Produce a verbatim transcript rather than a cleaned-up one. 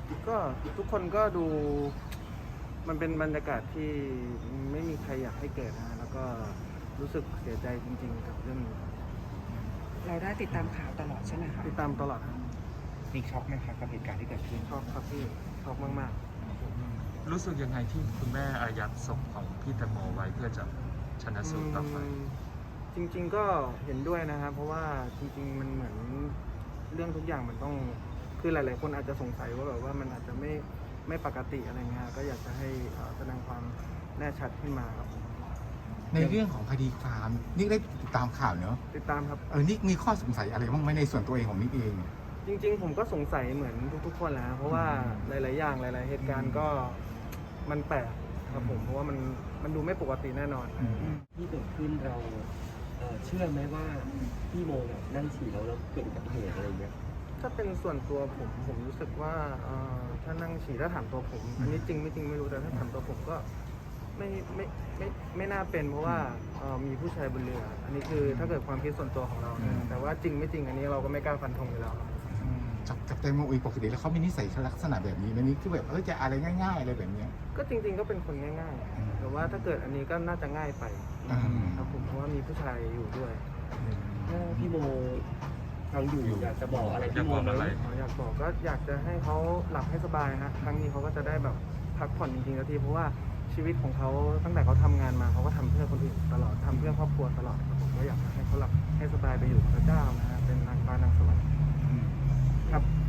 ก็ทุกคนก็ดูมันเป็นบรรยากาศที่ไม่มีใครอยากให้เกิดนะแล้วก็รู้สึกเสียใจจริงๆกับเรื่องนี้ครับเราได้ติดตามข่าวตลอดใช่ไหมคะติดตามตลอดครับมีช็อกไหมครับกับเหตุการณ์ที่เกิดขึ้นชอบครับพี่ชอบมากรู้สึกยังไงที่คุณแม่อายัดศพของพี่แตงโมไว้เพื่อจะชนะๆสูตรต่อไปมจริงๆก็เห็นด้วยนะครับเพราะว่าจริงๆมันเหมือนเรื่องทุกอย่างมันต้องคือหลายๆคนอาจจะสงสัยว่าแบบว่ามันอาจจะไม่ไม่ปกติอะไรเงี้ยก็อยากจะให้เอ่อแสดงความแน่ชัดขึ้นมาครับผมในเรื่องของคดีความนิกได้ติดตามข่าวเนอะติดตามครับเออนิกมีข้อสงสัยอะไรบ้างไหมในส่วนตัวเองของนิกเองจริงๆผมก็สงสัยเหมือนทุกๆคนแหละเพราะว่าหลายๆอย่างหลาย ๆ เหตุการณ์ก็มันแปลกครับผมเพราะว่ามันมันดูไม่ปกติแน่นอนที่เกิดขึ้นเราเอ่อเชื่อไหมว่าพี่โมเนี่ยนั่งฉี่แล้วแล้วเกิดอุบัติเหตุอะไรเงี้ยถ้าเป็นส่วนตัวผมผมรู้สึกว่าเอ่อถ้านั่งฉี่ถ้าถามตัวผม อันนี้จริงไม่จริงไม่รู้แต่ถ้าถามตัวผมก็ไม่ไม่ไม่ไม่น่าเป็นเพราะว่าเอ่อมีผู้ชายบนเรือ อันนี้คือถ้าเกิดความคิดส่วนตัวของเรานะแต่ว่าจริงไม่จริงอันนี้เราก็ไม่กล้าฟันธงอยู่แล้วครับจับจับแตงโมอีกปกติแล้วเขามีนิสัยลักษณะแบบนี้ไหมนี่คือแบบเออจะอะไรง่ายๆอะไรแบบเนี้ยก็จริง ๆ ก็เป็นคนง่ายอืมๆ แต่ว่าถ้าเกิดอันนี้ก็น่าจะง่ายไปอืมครับผมเพราะว่ามีผู้ชายอยู่ด้วยถ้าพี่โมฟังอยู่อยากจะบอกอะไรอยาพี่กโมบอกไหมอะไรอ๋ออยากบอกก็อยากจะให้เขาหลับให้สบายฮะครั้งนี้เขาก็จะได้แบบพักผ่อนจริงๆสักทีเพราะว่าชีวิตของเขาตั้งแต่เขาทำงานมาเขาก็ทำเพื่อคนอื่นตลอดทำเพื่อครอบครัวตลอดครับผมก็อยากจะให้เขาหลับให้สบายไปอยู่กับพระเจ้านะฮะเป็นนางฟ้านางสวรรค์ครับ